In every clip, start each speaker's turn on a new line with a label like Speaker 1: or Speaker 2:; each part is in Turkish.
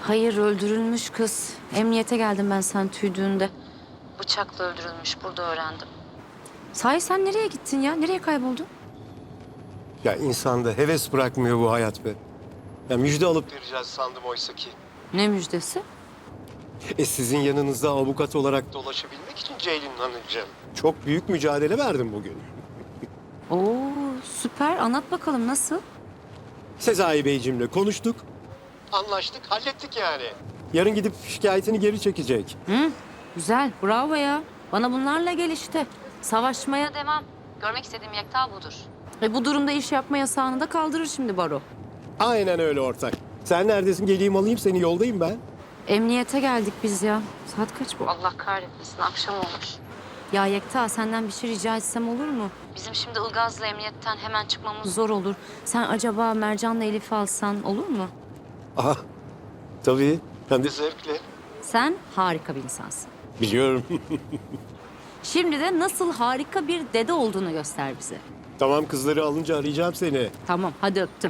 Speaker 1: Hayır, öldürülmüş kız. Emniyete geldim ben sen tüydüğünde. Bıçakla öldürülmüş, burada öğrendim. Sahi sen nereye gittin ya? Nereye kayboldun?
Speaker 2: Ya insanda heves bırakmıyor bu hayat be. Ya müjde alıp vereceğiz sandım oysa ki.
Speaker 1: Ne müjdesi?
Speaker 2: Sizin yanınızda avukat olarak dolaşabilmek için Ceylin Hanımcığım. Çok büyük mücadele verdim bugün.
Speaker 1: Oo, süper. Anlat bakalım nasıl?
Speaker 2: Sezai Beyciğimle konuştuk. Anlaştık, hallettik yani. Yarın gidip şikayetini geri çekecek.
Speaker 1: Hı, güzel, bravo ya. Bana bunlarla gel işte. Savaşmaya devam. Görmek istediğim Yekta budur. Bu durumda iş yapma yasağını da kaldırır şimdi baro.
Speaker 2: Aynen öyle ortak. Sen neredesin? Geleyim alayım seni, yoldayım ben.
Speaker 1: Emniyete geldik biz ya. Saat kaç bu? Allah kahretmesin, akşam olmuş. Ya Yekta, senden bir şey rica etsem olur mu? Bizim şimdi Ilgaz'la emniyetten hemen çıkmamız zor olur. Sen acaba Mercan'la Elif'i alsan olur mu?
Speaker 2: Aha, tabii. Hem de zevkle.
Speaker 1: Sen harika bir insansın.
Speaker 2: Biliyorum.
Speaker 1: Şimdi de nasıl harika bir dede olduğunu göster bize.
Speaker 2: Tamam, kızları alınca arayacağım seni.
Speaker 1: Tamam, hadi öptüm.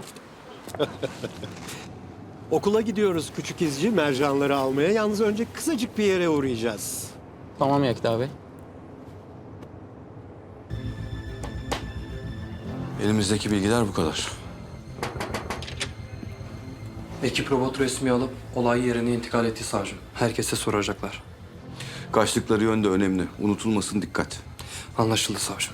Speaker 2: Okula gidiyoruz küçük izci mercanları almaya. Yalnız önce kısacık bir yere uğrayacağız.
Speaker 3: Tamam Yekta Bey.
Speaker 4: Elimizdeki bilgiler bu kadar.
Speaker 3: Ekip robot resmi alıp olay yerine intikal etti savcım. Herkese soracaklar.
Speaker 4: Kaçtıkları yön de önemli. Unutulmasın, dikkat.
Speaker 3: Anlaşıldı savcım.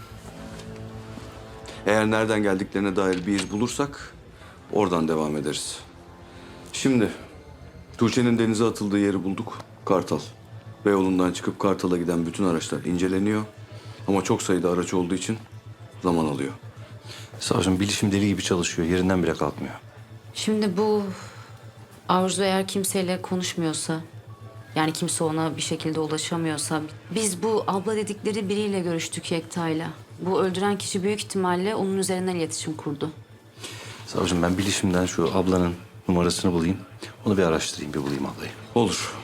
Speaker 4: Eğer nereden geldiklerine dair bir iz bulursak oradan devam ederiz. Şimdi Tuğçe'nin denize atıldığı yeri bulduk. Kartal. Beyoğlu'ndan çıkıp Kartal'a giden bütün araçlar inceleniyor. Ama çok sayıda araç olduğu için zaman alıyor.
Speaker 5: Savcım bilişim deli gibi çalışıyor. Yerinden bile kalkmıyor.
Speaker 1: Şimdi bu Arzu eğer kimseyle konuşmuyorsa, yani kimse ona bir şekilde ulaşamıyorsa, biz bu abla dedikleri biriyle görüştük Yekta'yla. Bu öldüren kişi büyük ihtimalle onun üzerinden iletişim kurdu.
Speaker 5: Savcım ben bilişimden şu ablanın numarasını bulayım. Onu bir araştırayım, bir bulayım ablayı.
Speaker 4: Olur.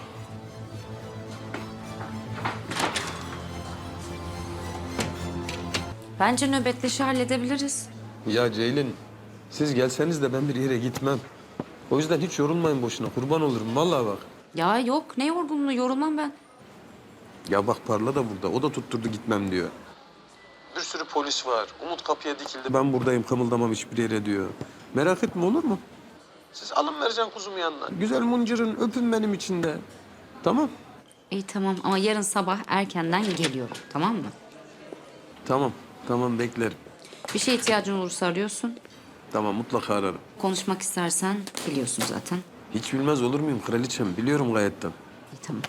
Speaker 1: Bence nöbetleşi halledebiliriz.
Speaker 6: Ya Ceylin, siz gelseniz de ben bir yere gitmem. O yüzden hiç yorulmayın boşuna. Kurban olurum vallahi bak.
Speaker 1: Ya yok, ne yorgunluğu, yorulmam ben.
Speaker 6: Ya bak Parla da burada. O da tutturdu gitmem diyor. Bir sürü polis var. Umut kapıya dikildi. Ben buradayım, kımıldamam hiçbir yere diyor. Merak etme, olur mu? Siz alın Mercan kuzumu yanına. Güzel muncırın, öpün benim için de. Tamam.
Speaker 1: İyi tamam ama yarın sabah erkenden geliyorum, tamam mı?
Speaker 6: Tamam. Tamam, beklerim.
Speaker 1: Bir şeye ihtiyacın olursa arıyorsun.
Speaker 6: Tamam, mutlaka ararım.
Speaker 1: Konuşmak istersen biliyorsun zaten.
Speaker 6: Hiç bilmez olur muyum kraliçem? Biliyorum gayetten.
Speaker 1: İyi tamam.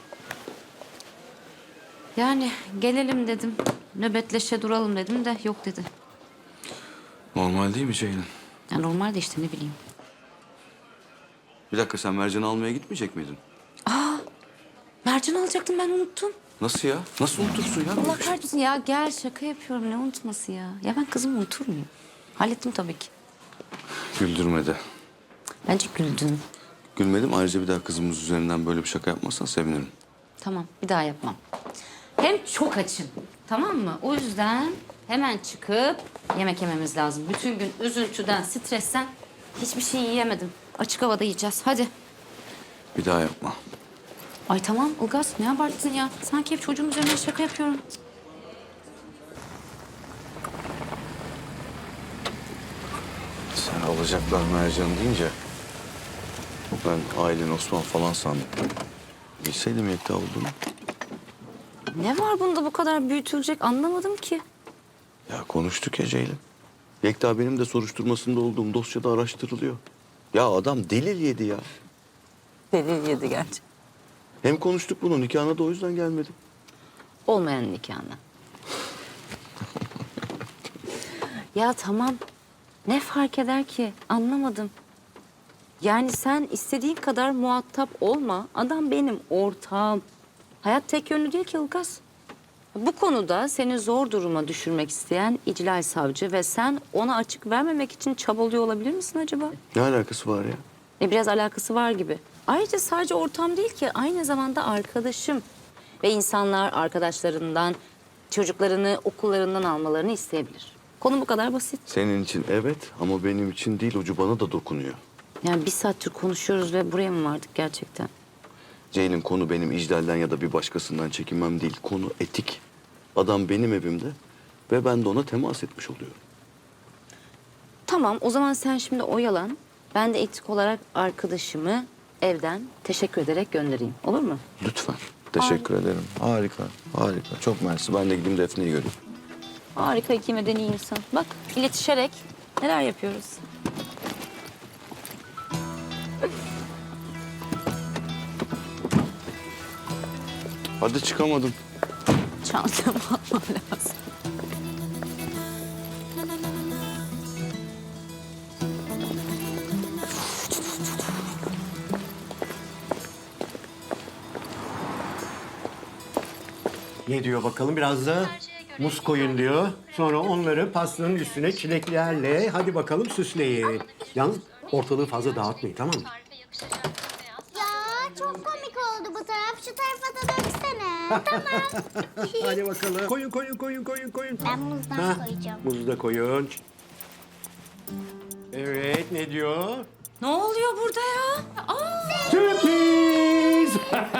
Speaker 1: Yani gelelim dedim. Nöbetleşe duralım dedim de yok dedi.
Speaker 4: Normal değil mi Ceylin?
Speaker 1: Ya normal de işte ne bileyim.
Speaker 4: Bir dakika, sen Mercan'ı almaya gitmeyecek miydin?
Speaker 1: Mercan alacaktım ben unuttum.
Speaker 4: Nasıl ya? Nasıl unutursun ya?
Speaker 1: Allah kahretsin ya gel şaka yapıyorum ne unutması ya. Ya ben kızımı unutur muyum? Hallettim tabii ki.
Speaker 4: Güldürmedi.
Speaker 1: Bence güldün.
Speaker 4: Gülmedim. Ayrıca bir daha kızımız üzerinden böyle bir şaka yapmazsan sevinirim.
Speaker 1: Tamam bir daha yapmam. Hem çok açım tamam mı? O yüzden hemen çıkıp yemek yememiz lazım. Bütün gün üzüntüden, stresten hiçbir şey yiyemedim. Açık havada yiyeceğiz hadi.
Speaker 4: Bir daha yapma.
Speaker 1: Ay tamam Ilgaz ne abarttın ya? Sanki hep çocuğum üzerine şaka yapıyorum.
Speaker 4: Sen alacaklar Mercan deyince ben Aylin, Osman falan sandım. Bilseydim Yekta olduğunu.
Speaker 1: Ne var bunda bu kadar büyütülecek anlamadım ki.
Speaker 4: Ya konuştuk ya Ceylin. Yekta benim de soruşturmasında olduğum dosyada araştırılıyor. Ya adam delil yedi ya.
Speaker 1: Delil yedi gerçi.
Speaker 4: Hem konuştuk bunu, nikahına da o yüzden gelmedim.
Speaker 1: Olmayan nikahına. Ya tamam. Ne fark eder ki? Anlamadım. Yani sen istediğin kadar muhatap olma. Adam benim ortağım. Hayat tek yönlü değil ki Ilgaz. Bu konuda seni zor duruma düşürmek isteyen İclal Savcı ve sen ona açık vermemek için çabalıyor olabilir misin acaba?
Speaker 4: Ne alakası var ya?
Speaker 1: Biraz alakası var gibi. Ayrıca sadece ortağım değil ki aynı zamanda arkadaşım. Ve insanlar arkadaşlarından çocuklarını okullarından almalarını isteyebilir. Konu bu kadar basit.
Speaker 4: Senin için evet ama benim için değil, ucu bana da dokunuyor.
Speaker 1: Yani bir saattir konuşuyoruz ve buraya mı vardık gerçekten?
Speaker 4: Ceylin, konu benim İclal'den ya da bir başkasından çekinmem değil. Konu etik. Adam benim evimde ve ben de ona temas etmiş oluyorum.
Speaker 1: Tamam, o zaman sen şimdi oyalan. Ben de etik olarak arkadaşımı evden teşekkür ederek göndereyim. Olur mu?
Speaker 4: Lütfen. Teşekkür ederim. Harika, harika. Çok mersi. Ben de gideyim Defne'yi göreyim.
Speaker 1: Harika, iki medeni insan. Bak, iletişerek neler yapıyoruz.
Speaker 4: Hadi çıkamadım.
Speaker 1: Çantamı almam lazım.
Speaker 2: Ne diyor bakalım, biraz da muz koyun diyor. Sonra onları pastanın üstüne çileklerle hadi bakalım süsleyin. Yalnız ortalığı fazla dağıtmayın, tamam mı?
Speaker 7: Ya çok komik oldu bu taraf. Şu tarafa da döksene. Tamam.
Speaker 2: Hadi bakalım. Koyun.
Speaker 7: Ben muzdan
Speaker 2: Ha,
Speaker 7: koyacağım.
Speaker 2: muzu da koyun. Evet, ne diyor?
Speaker 1: Ne oluyor burada ya?
Speaker 2: Sürpriz!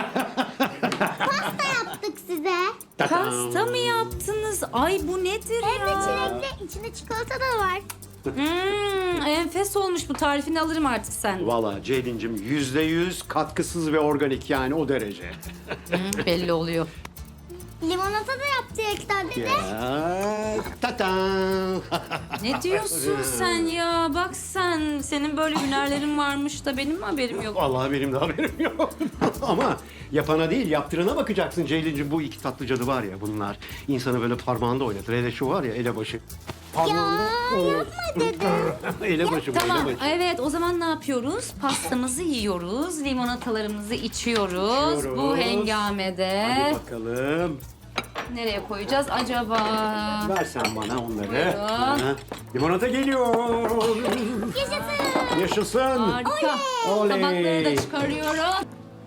Speaker 7: Pasta yaptık size.
Speaker 1: Pasta mı yaptınız? Ay bu nedir
Speaker 7: Hem de
Speaker 1: ya?
Speaker 7: çilekli. İçinde çikolata da var.
Speaker 1: Enfes olmuş, bu tarifini alırım artık sen.
Speaker 2: Vallahi Ceylin'cim %100 katkısız ve organik, yani o derece.
Speaker 1: Belli oluyor.
Speaker 7: Limonata da yaptı Ektar dede.
Speaker 2: Ya, ta-tam.
Speaker 1: Ne diyorsun sen ya? Bak sen, senin böyle hünerlerin varmış da benim mi haberim yok?
Speaker 2: Vallahi benim de haberim yok. Ama yapana değil, yaptırana bakacaksın Ceylin'cim. Bu iki tatlı cadı var ya, bunlar insanı böyle parmağında oynatır. Hele şu var ya, elebaşı. Parmağında...
Speaker 7: Yapma dede.
Speaker 2: Elebaşı bu,
Speaker 1: Tamam,
Speaker 2: elebaşı.
Speaker 1: evet, o zaman ne yapıyoruz? Pastamızı yiyoruz, limonatalarımızı içiyoruz. Bu
Speaker 2: İçiyoruz.
Speaker 1: hengamede.
Speaker 2: Hadi bakalım.
Speaker 1: Nereye koyacağız acaba?
Speaker 2: Ver sen bana onları.
Speaker 1: Buyurun.
Speaker 2: Ha, limonata geliyor.
Speaker 7: Yaşasın.
Speaker 2: Yaşasın.
Speaker 1: Harika.
Speaker 2: Oley.
Speaker 1: Tabakları da çıkarıyorum.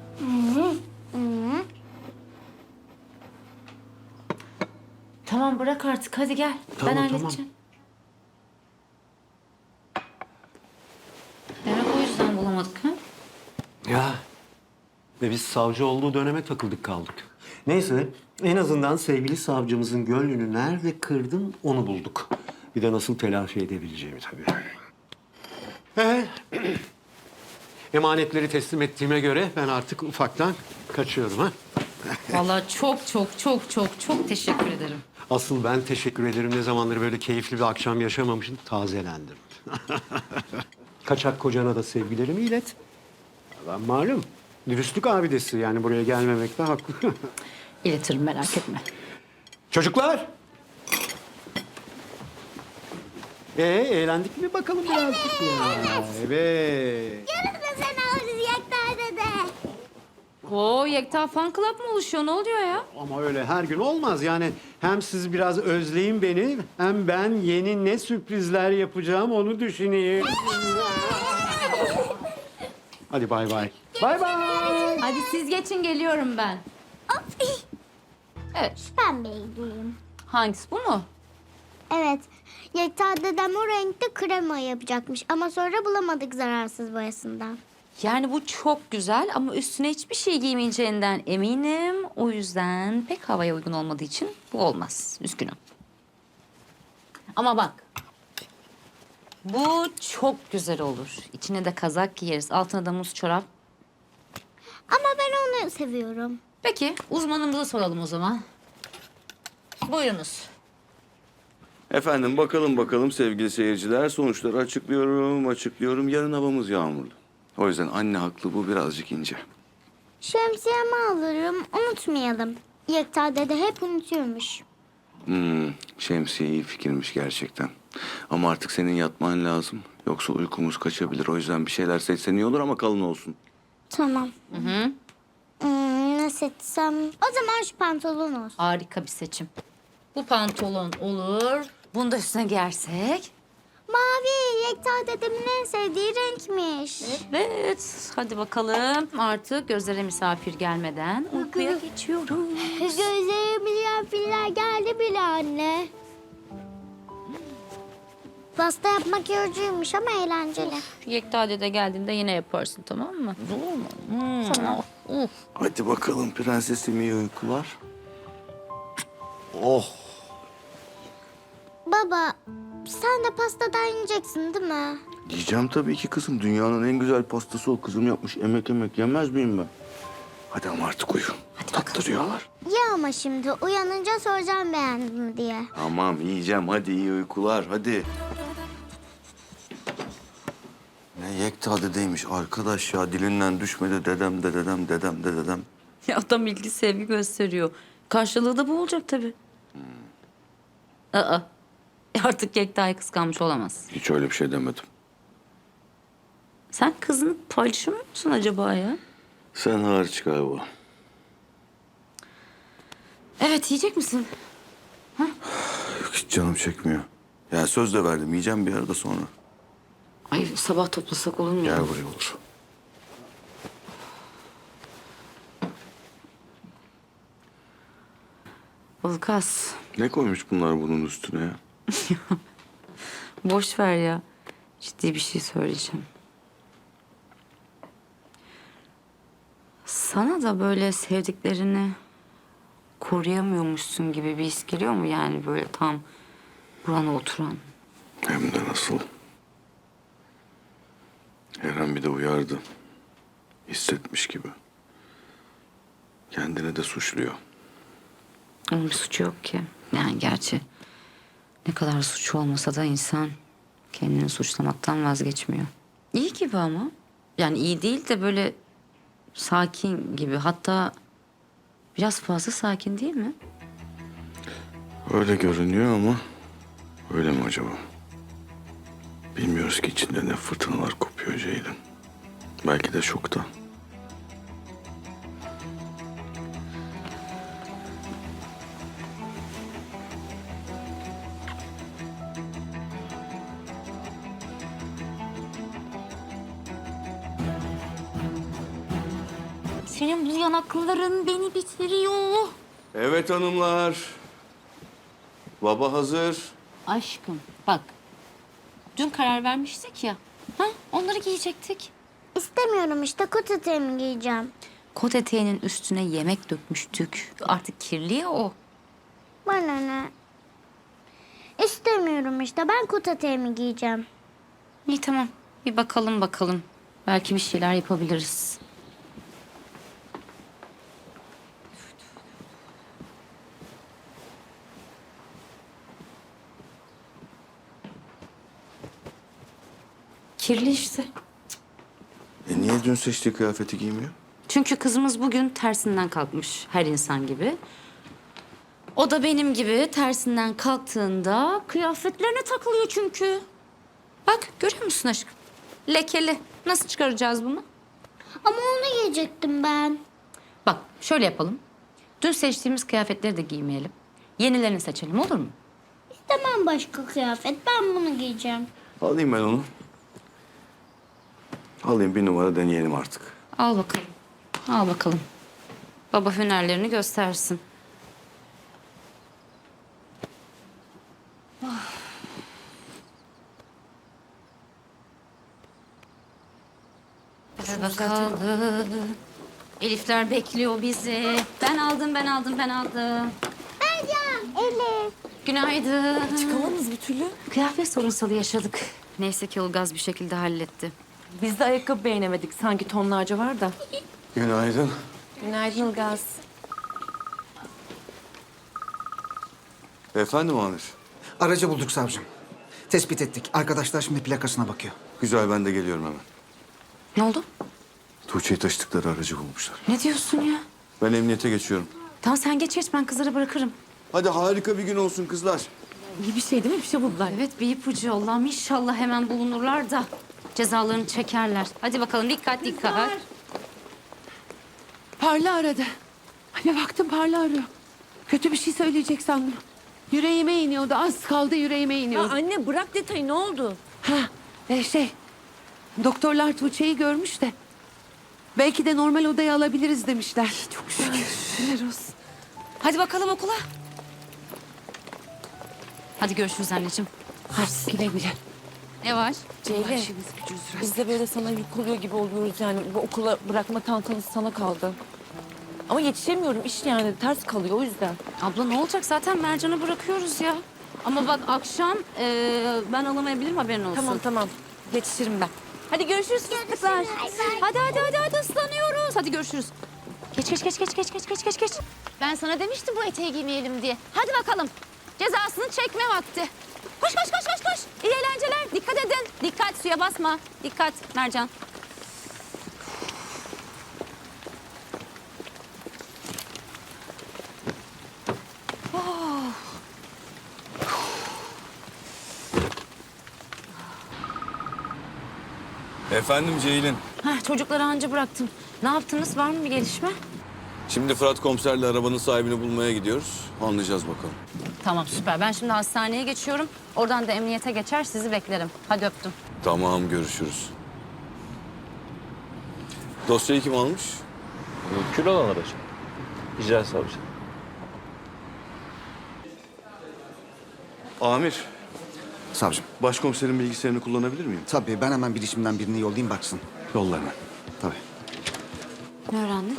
Speaker 1: Tamam, bırak artık, hadi gel.
Speaker 2: Tamam,
Speaker 1: ben
Speaker 2: tamam.
Speaker 1: halledeceğim. Demek o yüzden bulamadık ha?
Speaker 2: Ya. Ve biz savcı olduğu döneme takıldık kaldık. Neyse, en azından sevgili savcımızın gönlünü nerede kırdın onu bulduk. Bir de nasıl telafi edebileceğimi tabii. Emanetleri teslim ettiğime göre ben artık ufaktan kaçıyorum ha.
Speaker 1: Vallahi çok teşekkür ederim.
Speaker 2: Asıl ben teşekkür ederim. Ne zamandır böyle keyifli bir akşam yaşamamışım. Tazelendim. Kaçak kocana da sevgilerimi ilet. Ben malum dürüstlük abidesi, yani buraya gelmemekte haklı.
Speaker 1: İletirim, merak etme.
Speaker 2: Çocuklar! Eğlendik mi bakalım birazcık ya? Evet.
Speaker 7: Yarın da sen alırız Ektar dede.
Speaker 1: Oo, Yekta Fan Club mı oluşuyor? Ne oluyor ya?
Speaker 2: Ama öyle her gün olmaz. Yani hem siz biraz özleyin beni, hem ben yeni ne sürprizler yapacağım onu düşüneyim. Hadi bay bay. Bay bay.
Speaker 1: Hadi siz geçin, geliyorum ben.
Speaker 7: Hop.
Speaker 1: Evet.
Speaker 7: Pembeyi giyeyim.
Speaker 1: Hangisi, bu mu?
Speaker 7: Evet. Yekta dedem o renkte krema yapacakmış. Ama sonra bulamadık zararsız boyasından.
Speaker 1: Yani bu çok güzel ama üstüne hiçbir şey giymeyeceğinden eminim. O yüzden pek havaya uygun olmadığı için bu olmaz. Üzgünüm. Ama bak. Bu çok güzel olur. İçine de kazak giyeriz. Altına da muz çorap.
Speaker 7: Ama ben onu seviyorum.
Speaker 1: Peki, uzmanımıza soralım o zaman. Buyurunuz.
Speaker 4: Efendim bakalım sevgili seyirciler. Sonuçları açıklıyorum. Yarın havamız yağmurlu. O yüzden anne haklı, bu birazcık ince.
Speaker 7: Şemsiyemi alırım, unutmayalım. Yekta dede hep unutuyormuş.
Speaker 4: Şemsiye iyi fikirmiş gerçekten. Ama artık senin yatman lazım. Yoksa uykumuz kaçabilir. O yüzden bir şeyler seçsen iyi olur ama kalın olsun.
Speaker 7: Tamam. Ne seçsem? O zaman şu pantolon olsun.
Speaker 1: Harika bir seçim. Bu pantolon olur. Bunu da üstüne giyersek.
Speaker 7: Mavi, Yekta dedemin en sevdiği renkmiş.
Speaker 1: Evet, hadi bakalım. Artık gözlere misafir gelmeden uykuya geçiyoruz.
Speaker 7: Gözlerime misafirler geldi bile anne. Pasta yapmak yorucuymuş ama eğlenceli.
Speaker 1: Yekta dede geldiğinde yine yaparsın, tamam mı? Olur mu? Tamam.
Speaker 4: Hadi bakalım prensesim, iyi uykular. Oh.
Speaker 7: Baba, sen de pastadan yiyeceksin değil mi?
Speaker 4: Yiyeceğim tabii ki kızım. Dünyanın en güzel pastası o. Kızım yapmış. Emek yemez miyim ben? Hadi ama artık uyu. Tattırıyorlar.
Speaker 7: Ye ama şimdi uyanınca soracağım beğendin mi diye.
Speaker 4: Tamam yiyeceğim. Hadi iyi uykular. Hadi. Ne Yekta dedeymiş arkadaş ya. Dilinden düşmedi dedem de dedem dedem de dedem.
Speaker 1: Ya adam ilgi sevgi gösteriyor. Karşılığı da bu olacak tabii. Aa. Artık Yekta'yı kıskanmış olamaz.
Speaker 4: Hiç öyle bir şey demedim.
Speaker 1: Sen kızını paylaşamıyor musun acaba ya?
Speaker 4: Sen hariç galiba.
Speaker 1: Evet, yiyecek misin?
Speaker 4: Yok, hiç canım çekmiyor. Ya söz de verdim. Yiyeceğim bir arada sonra.
Speaker 1: Ay sabah toplasak olur mu?
Speaker 4: Gel buraya olur.
Speaker 1: Ulkas,
Speaker 4: Ne koymuş bunlar bunun üstüne ya?
Speaker 1: boş ver ya. Ciddi bir şey söyleyeceğim. Sana da böyle sevdiklerini koruyamıyormuşsun gibi bir his geliyor mu? Yani böyle tam burana oturan.
Speaker 4: Hem de nasıl. Eren bir de uyardı. Hissetmiş gibi. Kendini de suçluyor.
Speaker 1: Onun bir suçu yok ki. Yani gerçi ne kadar suçu olmasa da insan kendini suçlamaktan vazgeçmiyor. İyi gibi ama. Yani iyi değil de böyle sakin gibi. Hatta biraz fazla sakin değil mi?
Speaker 4: Öyle görünüyor ama öyle mi acaba? Bilmiyoruz ki içinde ne fırtınalar kopuyor Ceylin. Belki de şokta.
Speaker 1: Senin bu yanakların beni bitiriyor.
Speaker 4: Evet hanımlar. Baba hazır.
Speaker 1: Aşkım bak. Dün karar vermiştik ya. Ha? Onları giyecektik.
Speaker 7: İstemiyorum işte kot eteğimi giyeceğim.
Speaker 1: Kot eteğinin üstüne yemek dökmüştük. Artık kirli ya o.
Speaker 7: Bana ne? İstemiyorum işte ben kot eteğimi giyeceğim.
Speaker 1: İyi tamam. Bir bakalım. Belki bir şeyler yapabiliriz. Kirli işte.
Speaker 4: Niye dün seçtiği kıyafeti giymiyor?
Speaker 1: Çünkü kızımız bugün tersinden kalkmış her insan gibi. O da benim gibi tersinden kalktığında kıyafetlerine takılıyor çünkü. Bak görüyor musun aşkım? Lekeli. Nasıl çıkaracağız bunu?
Speaker 7: Ama onu giyecektim ben.
Speaker 1: Bak şöyle yapalım. Dün seçtiğimiz kıyafetleri de giymeyelim. Yenilerini seçelim olur mu?
Speaker 7: İstemem başka kıyafet ben bunu giyeceğim.
Speaker 4: Alayım ben onu. Alayım bir numara deneyelim artık.
Speaker 1: Al bakalım. Al bakalım. Baba hünerlerini göstersin. Hadi bakalım. Elifler bekliyor bizi. Ben aldım.
Speaker 7: Ercan, Elif.
Speaker 1: Günaydın.
Speaker 8: Çıkamadınız bir türlü.
Speaker 1: Kıyafet sorunsalı yaşadık. Neyse ki Ilgaz bir şekilde halletti.
Speaker 8: Biz de ayakkabı beğenemedik. Sanki tonlarca var da.
Speaker 4: Günaydın.
Speaker 8: Günaydın Ilgaz.
Speaker 4: Efendim Amir.
Speaker 9: Aracı bulduk savcım. Tespit ettik. Arkadaşlar şimdi plakasına bakıyor.
Speaker 4: Güzel ben de geliyorum hemen.
Speaker 1: Ne oldu?
Speaker 4: Tuğçe'yi taşıdıkları aracı bulmuşlar.
Speaker 1: Ne diyorsun ya?
Speaker 4: Ben emniyete geçiyorum.
Speaker 1: Tamam sen geç ben kızları bırakırım.
Speaker 4: Hadi harika bir gün olsun kızlar.
Speaker 8: İyi bir şey değil mi? Bir şey buldular.
Speaker 1: Evet bir ipucu Allah'ım inşallah hemen bulunurlar da cezalarını çekerler. Hadi bakalım dikkat.
Speaker 10: Parla aradı. Anne baktım Parla arıyor. Kötü bir şey söyleyecek sandım. Yüreğime iniyordu. Az kaldı yüreğime iniyordu.
Speaker 8: Anne bırak detayı ne oldu?
Speaker 10: Doktorlar Tuğçe'yi görmüş de. Belki de normal odaya alabiliriz demişler. Çok
Speaker 8: Şükürler olsun.
Speaker 1: Hadi bakalım okula. Hadi görüşürüz anneciğim.
Speaker 10: Hadi güle güle.
Speaker 8: Ne var?
Speaker 10: Ceylin.
Speaker 8: Biz de böyle sana yük oluyor gibi oluyoruz yani. Bu okula bırakma tantanız sana kaldı. Ama yetişemiyorum iş yani ters kalıyor o yüzden.
Speaker 1: Abla ne olacak zaten Mercan'ı bırakıyoruz ya. Ama bak akşam ben alamayabilirim haberin olsun.
Speaker 8: Tamam yetişirim ben.
Speaker 1: Hadi görüşürüz fıstıklar. Hadi ıslanıyoruz. Hadi görüşürüz. Geç. Ben sana demiştim bu eteği giymeyelim diye. Hadi bakalım. Cezasını çekme vakti. Koş. İyi eğlenceler. Dikkat edin. Dikkat suya basma. Dikkat Mercan.
Speaker 4: Efendim Ceylin.
Speaker 1: Çocukları anca bıraktım. Ne yaptınız? Var mı bir gelişme?
Speaker 4: Şimdi Fırat komiserle arabanın sahibini bulmaya gidiyoruz. Anlayacağız bakalım.
Speaker 1: Tamam süper. Ben şimdi hastaneye geçiyorum. Oradan da emniyete geçer sizi beklerim. Hadi öptüm.
Speaker 4: Tamam, görüşürüz. Dosyayı kim almış?
Speaker 5: Kül olan aracı. İcra savcı.
Speaker 4: Amir,
Speaker 9: Savcım.
Speaker 4: başkomiserin bilgisayarını kullanabilir miyim?
Speaker 9: Tabii ben hemen bilişimden birini yollayayım baksın.
Speaker 4: Yolla hemen.
Speaker 9: Tabii.
Speaker 1: Ne öğrendin?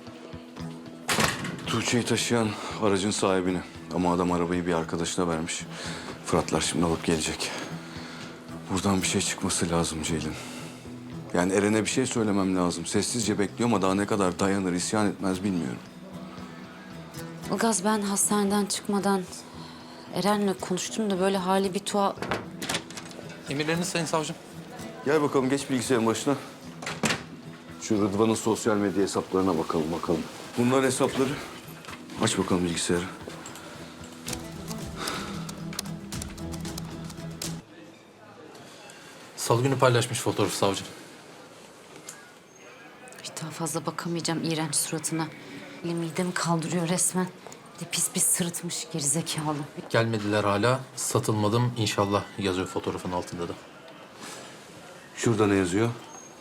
Speaker 4: Tuğçe'yi taşıyan aracın sahibini. Ama adam arabayı bir arkadaşına vermiş. Fıratlar şimdi alıp gelecek. Buradan bir şey çıkması lazım Ceylin. Yani Eren'e bir şey söylemem lazım. Sessizce bekliyor ama daha ne kadar dayanır, isyan etmez bilmiyorum.
Speaker 1: Ilgaz ben hastaneden çıkmadan Eren'le konuştum da böyle hali bir tuhaf.
Speaker 3: Emirleriniz sayın savcım.
Speaker 4: Gel bakalım, geç bilgisayarın başına. Şu Rıdvan'ın sosyal medya hesaplarına bakalım. Bunlar hesapları. Aç bakalım bilgisayarı.
Speaker 3: Salı günü paylaşmış fotoğrafı savcım.
Speaker 1: Bir daha fazla bakamayacağım iğrenç suratına. Midemi kaldırıyor resmen. Bir de pis sırıtmış gerizekalı.
Speaker 3: Gelmediler hala. Satılmadım inşallah yazıyor fotoğrafın altında da.
Speaker 4: Şurada ne yazıyor?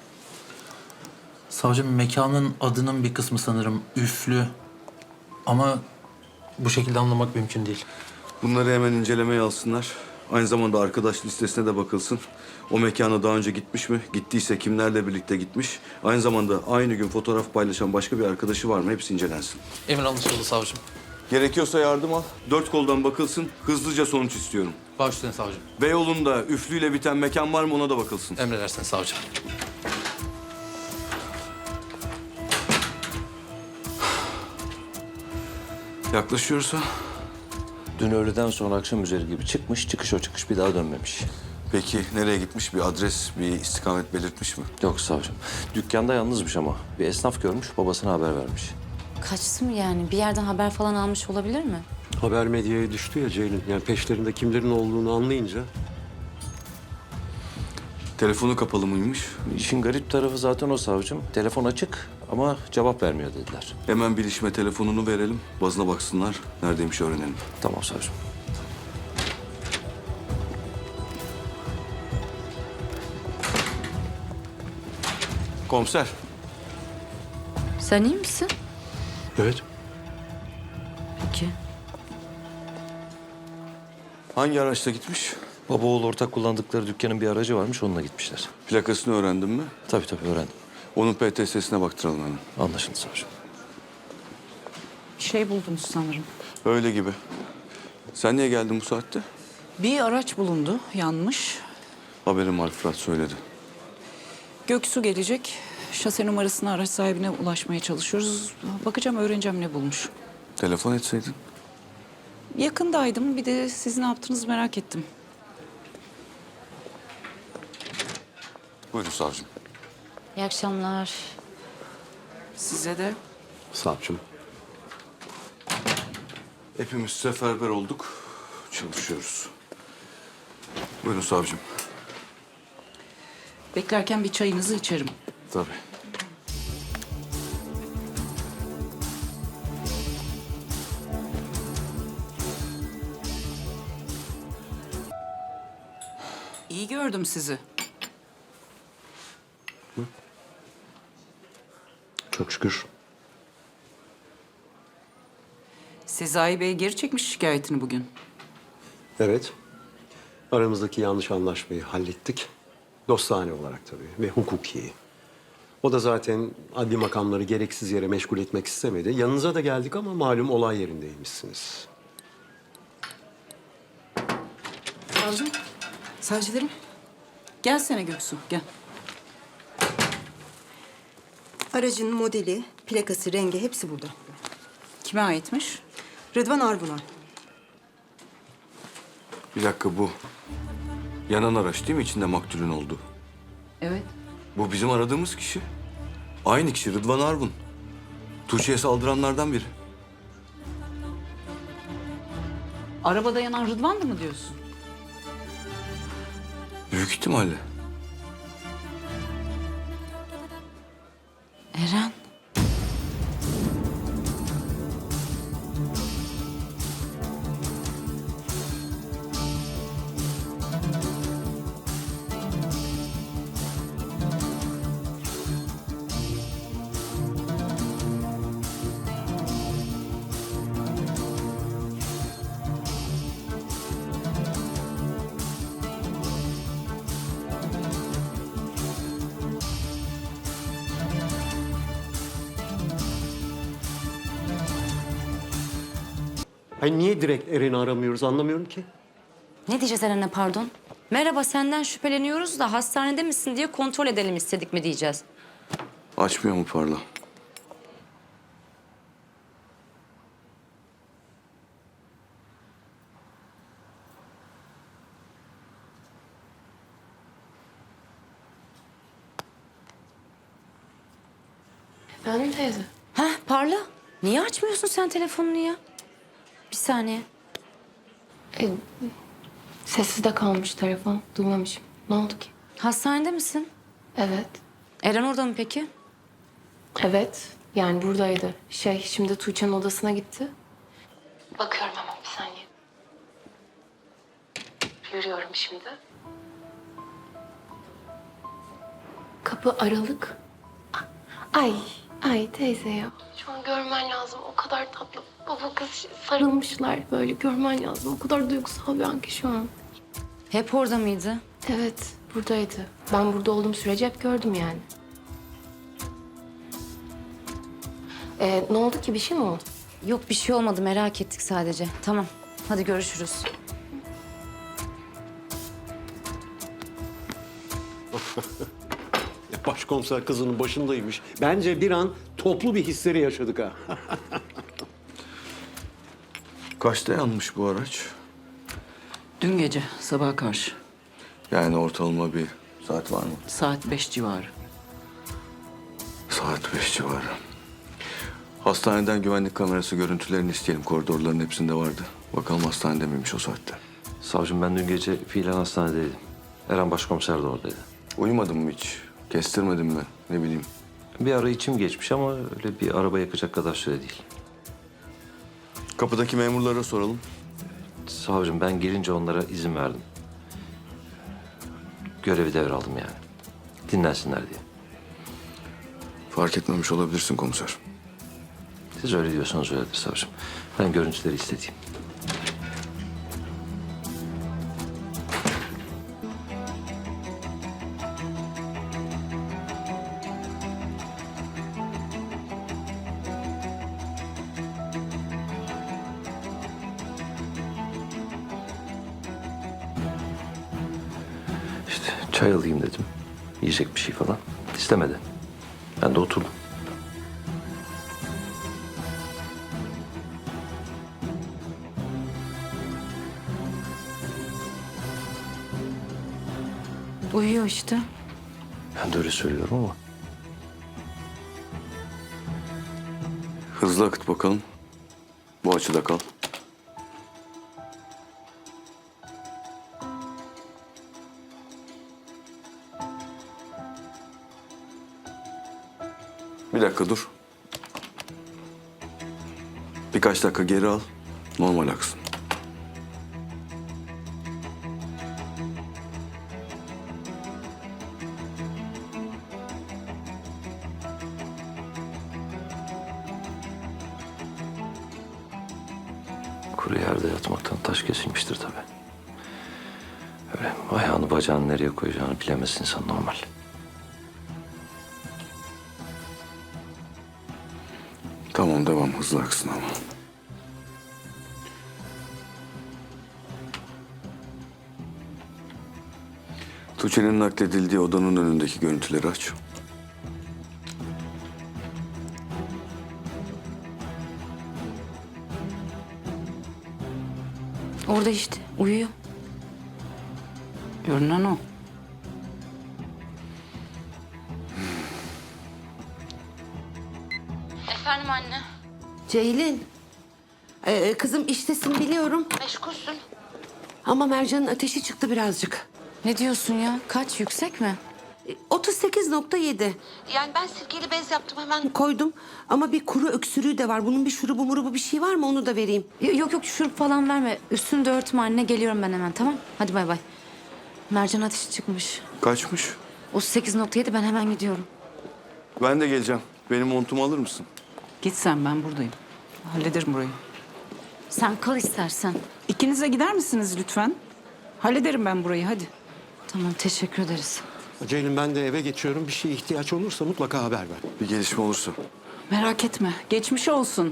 Speaker 3: Savcım mekanın adının bir kısmı sanırım üflü. Ama bu şekilde anlamak mümkün değil.
Speaker 4: Bunları hemen incelemeye alsınlar. Aynı zamanda arkadaş listesine de bakılsın. O mekana daha önce gitmiş mi? Gittiyse kimlerle birlikte gitmiş? Aynı zamanda aynı gün fotoğraf paylaşan başka bir arkadaşı var mı? Hepsi incelensin.
Speaker 3: Emir anlaşıldı savcım.
Speaker 4: Gerekiyorsa yardım al. 4 koldan bakılsın. Hızlıca sonuç istiyorum.
Speaker 3: Baş üstüne savcım.
Speaker 4: Beyoğlu'nda üflüyle biten mekan var mı? Ona da bakılsın.
Speaker 3: Emredersin savcım.
Speaker 4: Yaklaşıyorsa
Speaker 5: Dün öğleden sonra akşam üzeri gibi çıkmış, çıkış o çıkış bir daha dönmemiş.
Speaker 4: peki nereye gitmiş? Bir adres, bir istikamet belirtmiş mi?
Speaker 5: Yok savcım. Dükkanda yalnızmış ama. Bir esnaf görmüş, babasına haber vermiş.
Speaker 1: Kaçtı mı yani? Bir yerden haber falan almış olabilir mi?
Speaker 2: Haber medyaya düştü ya Ceylin. Yani peşlerinde kimlerin olduğunu anlayınca.
Speaker 4: Telefonu kapalı mıymış?
Speaker 5: İşin garip tarafı zaten o savcım. Telefon açık ama cevap vermiyor dediler.
Speaker 4: Hemen bilişime telefonunu verelim. Bazına baksınlar. Neredeymiş öğrenelim.
Speaker 5: Tamam savcım.
Speaker 4: Komiser.
Speaker 1: Sen iyi misin?
Speaker 2: Evet.
Speaker 1: Peki.
Speaker 4: Hangi araçla gitmiş?
Speaker 5: Baba oğul ortak kullandıkları dükkanın bir aracı varmış, onunla gitmişler.
Speaker 4: Plakasını öğrendin mi?
Speaker 5: Tabii öğrendim.
Speaker 4: Onun PTS'sine baktıralım hemen.
Speaker 5: Anlaşıldı savcım.
Speaker 11: Bir şey buldunuz sanırım.
Speaker 4: Öyle gibi. Sen niye geldin bu saatte?
Speaker 11: Bir araç bulundu, yanmış.
Speaker 4: Haberim var, Fırat söyledi.
Speaker 11: Göksu gelecek. Şase numarasını araç sahibine ulaşmaya çalışıyoruz. Bakacağım, öğreneceğim ne bulmuş.
Speaker 4: Telefon etseydin.
Speaker 11: Yakındaydım. Bir de siz ne yaptınız merak ettim.
Speaker 4: Buyurun savcım.
Speaker 1: İyi akşamlar.
Speaker 11: Size de.
Speaker 2: Savcım.
Speaker 4: Hepimiz seferber olduk. Çalışıyoruz. Buyurun savcım.
Speaker 11: Beklerken bir çayınızı içerim.
Speaker 4: Tabii.
Speaker 11: İyi gördüm sizi.
Speaker 2: Çok şükür.
Speaker 11: Sezai Bey geri çekmiş şikayetini bugün.
Speaker 2: Evet. Aramızdaki yanlış anlaşmayı hallettik. Dostane olarak tabii ve hukuki. O da zaten adli makamları gereksiz yere meşgul etmek istemedi. Yanınıza da geldik ama malum olay yerindeymişsiniz.
Speaker 11: Savcım, savcılarım. Gelsene Göksu, gel.
Speaker 12: Aracın modeli, plakası, rengi hepsi burada.
Speaker 11: Kime aitmiş?
Speaker 12: Rıdvan Arvun'a.
Speaker 4: Bir dakika bu. Yanan araç değil mi içinde maktulün oldu?
Speaker 11: Evet.
Speaker 4: Bu bizim aradığımız kişi. Aynı kişi Rıdvan Arvun. Tuğçe'ye saldıranlardan biri.
Speaker 11: Arabada yanan Rıdvan'dı mı diyorsun?
Speaker 4: Büyük ihtimalle.
Speaker 1: Eren.
Speaker 2: Hayır niye direkt Eren'i aramıyoruz anlamıyorum ki.
Speaker 1: Ne diyeceğiz Eren'e pardon? Merhaba senden şüpheleniyoruz da hastanede misin diye kontrol edelim istedik mi diyeceğiz.
Speaker 4: Açmıyor mu Parla?
Speaker 8: Efendim teyze?
Speaker 1: Heh Parla. Niye açmıyorsun sen telefonunu ya? Bir saniye.
Speaker 8: Sessizde kalmış telefon. Duymamışım. Ne oldu ki?
Speaker 1: Hastanede misin?
Speaker 8: Evet.
Speaker 1: Eren orada mı peki?
Speaker 8: Evet. Yani buradaydı. Şimdi Tuğçe'nin odasına gitti. Bakıyorum hemen bir saniye. Yürüyorum şimdi. Kapı aralık. Ay teyze ya. Şu an görmen lazım. O kadar tatlı. Baba kız sarılmışlar böyle. Görmen lazım. O kadar duygusal bir an ki şu an.
Speaker 1: Hep orada mıydı?
Speaker 8: Evet, buradaydı. Ben burada olduğum sürece hep gördüm yani. Ne oldu ki? Bir şey mi oldu?
Speaker 1: Yok bir şey olmadı merak ettik sadece. Tamam hadi görüşürüz.
Speaker 2: Başkomiser kızının başındaymış. Bence bir an toplu bir histeri yaşadık ha.
Speaker 4: Kaçta yanmış bu araç?
Speaker 11: Dün gece sabaha karşı.
Speaker 4: Yani ortalama bir saat var mı?
Speaker 11: Saat 5 civarı.
Speaker 4: Saat 5 civarı. Hastaneden güvenlik kamerası görüntülerini isteyelim. Koridorların hepsinde vardı. Bakalım hastanede miymiş o saatte.
Speaker 5: Savcım ben dün gece fiilen hastanedeydim. Eren başkomiser de oradaydı.
Speaker 4: Uyumadın mı hiç? Kestirmedin mi? Ne bileyim.
Speaker 5: Bir ara içim geçmiş ama öyle bir araba yakacak kadar süre değil.
Speaker 4: Kapıdaki memurlara soralım.
Speaker 5: Savcım ben girince onlara izin verdim. Görevi devraldım yani. Dinlensinler diye.
Speaker 4: Fark etmemiş olabilirsin komiser.
Speaker 5: Siz öyle diyorsanız öyledir savcım. Ben görüntüleri istediğim. İşte çay alayım dedim. Yiyecek bir şey falan. İstemedi. Ben de oturdum.
Speaker 1: Uyuyor işte.
Speaker 5: Ben de öyle söylüyorum ama.
Speaker 4: Hızlı akıt bakalım. Bu açıda kal. Bir dakika dur. Birkaç dakika geri al. Normal aksın.
Speaker 5: Kuru yerde yatmaktan taş kesilmiştir tabii. Böyle ayağını bacağını nereye koyacağını bilemez insan normal.
Speaker 4: Tamam devam, hızlı aksın ama. Tuğçe'nin nakledildiği odanın önündeki görüntüleri aç.
Speaker 8: Orada işte uyuyor. Görünen o.
Speaker 1: Efendim anne.
Speaker 10: Ceylin. Kızım iştesin biliyorum.
Speaker 1: Meşgulsün.
Speaker 10: Ama Mercan'ın ateşi çıktı birazcık.
Speaker 8: Ne diyorsun ya? Kaç, yüksek mi?
Speaker 10: 38,7. Yani ben sirkeli bez yaptım hemen koydum. Ama bir kuru öksürüğü de var. Bunun bir şurubu murubu bir şey var mı onu da vereyim.
Speaker 8: Yok yok, şurup falan verme. Üstünü de örtme anne. Geliyorum ben hemen, tamam? Hadi bay bay. Mercan ateşi çıkmış.
Speaker 4: Kaçmış?
Speaker 8: 38,7, ben hemen gidiyorum.
Speaker 4: Ben de geleceğim. Benim montumu alır mısın?
Speaker 11: Git sen, ben buradayım. Hallederim burayı.
Speaker 8: Sen kal istersen.
Speaker 11: İkiniz de gider misiniz lütfen? Hallederim ben burayı, hadi.
Speaker 8: Tamam, teşekkür ederiz.
Speaker 2: Ceylin ben de eve geçiyorum. Bir şeye ihtiyaç olursa mutlaka haber ver.
Speaker 4: Bir gelişme olursa.
Speaker 11: Merak etme, geçmiş olsun.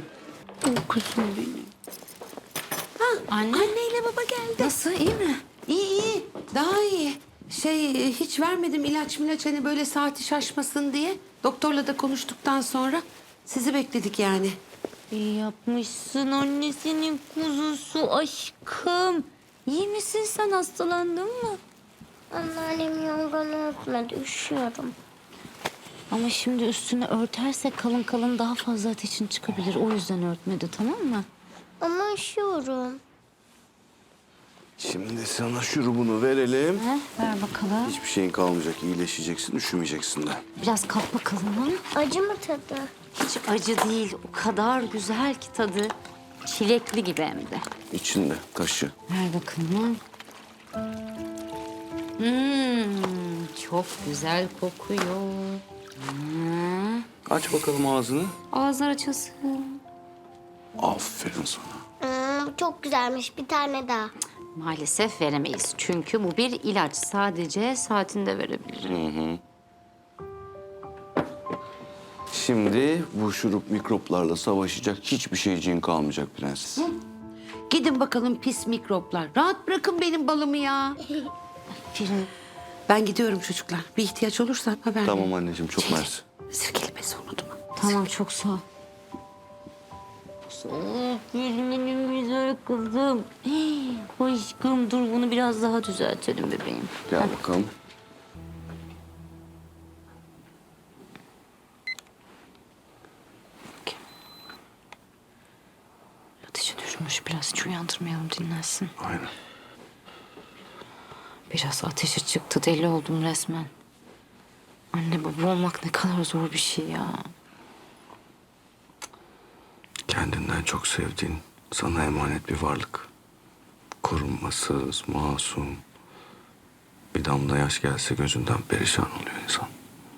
Speaker 10: Anneyle baba geldi.
Speaker 8: Nasıl, iyi mi?
Speaker 10: İyi iyi. Daha iyi. Hiç vermedim ilaç hani böyle saati şaşmasın diye. Doktorla da konuştuktan sonra sizi bekledik yani.
Speaker 1: İyi yapmışsın annesinin kuzusu aşkım. İyi misin sen, hastalandın mı?
Speaker 7: Anneannem yorganı örtmedi, üşüyorum.
Speaker 1: Ama şimdi üstünü örterse kalın kalın daha fazla ateşin çıkabilir. O yüzden örtmedi, tamam mı?
Speaker 7: Ama üşüyorum.
Speaker 4: Şimdi sana şurubunu verelim.
Speaker 1: Ver bakalım.
Speaker 4: Hiçbir şeyin kalmayacak. İyileşeceksin, üşümeyeceksin de.
Speaker 1: Biraz kalk bakalım. Ha?
Speaker 7: Acı mı tadı?
Speaker 1: Hiç acı değil. O kadar güzel ki tadı. Çilekli gibi hem de.
Speaker 4: İçinde taşı.
Speaker 1: Ver bakalım. Çok güzel kokuyor.
Speaker 4: Aç bakalım ağzını.
Speaker 1: Ağızlar açılsın.
Speaker 4: Aferin sana.
Speaker 7: Çok güzelmiş, bir tane daha.
Speaker 1: Maalesef veremeyiz. Çünkü bu bir ilaç. Sadece saatinde verebilirim.
Speaker 4: Şimdi bu şurup mikroplarla savaşacak hiçbir şeyciğin kalmayacak prenses.
Speaker 10: Gidin bakalım pis mikroplar. Rahat bırakın benim balımı ya.
Speaker 1: Aferin.
Speaker 10: Ben gidiyorum çocuklar. Bir ihtiyaç olursa haber verin.
Speaker 4: Tamam anneciğim, çok mersi.
Speaker 10: Sirkeli bezi unutma.
Speaker 1: Tamam, çok sağ ol. Benim güzel kızım. Aşkım dur, bunu biraz daha düzeltelim bebeğim.
Speaker 4: Gel bakalım.
Speaker 8: Ateşi düşmüş, biraz hiç uyandırmayalım, dinlensin.
Speaker 4: Aynen.
Speaker 1: Biraz ateşi çıktı, deli oldum resmen. Anne baba olmak ne kadar zor bir şey ya.
Speaker 4: Kendinden çok sevdiğin, sana emanet bir varlık. Korunmasız, masum. Bir damla yaş gelse gözünden perişan oluyor insan.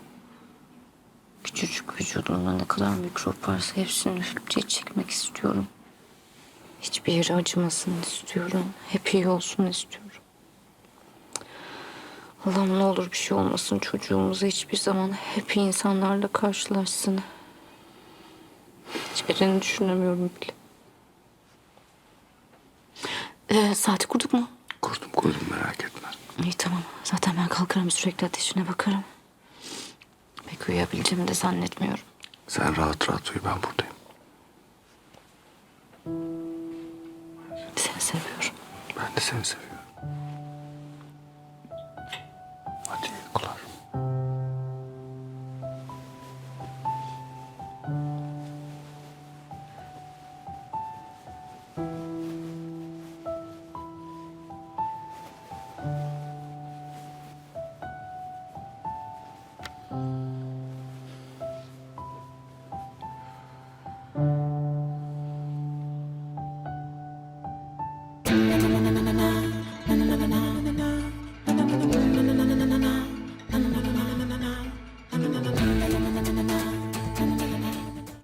Speaker 1: Küçücük vücudumda ne kadar mikrop varsa hepsini üfleyip çekmek istiyorum. Hiçbir yeri acımasın istiyorum. Hep iyi olsun istiyorum. Allah'ım ne olur bir şey olmasın çocuğumuza, hiçbir zaman hep iyi insanlarla karşılaşsın. Hiçbirini düşünemiyorum bile. Saati kurduk mu?
Speaker 4: Kurdum merak etme.
Speaker 1: İyi tamam. Zaten ben kalkarım, sürekli ateşine bakarım. Pek uyuyabileceğimi de zannetmiyorum.
Speaker 4: Sen rahat rahat uyu, ben buradayım.
Speaker 1: Seni seviyorum.
Speaker 4: Ben de seni seviyorum. Hadi iyi uykular.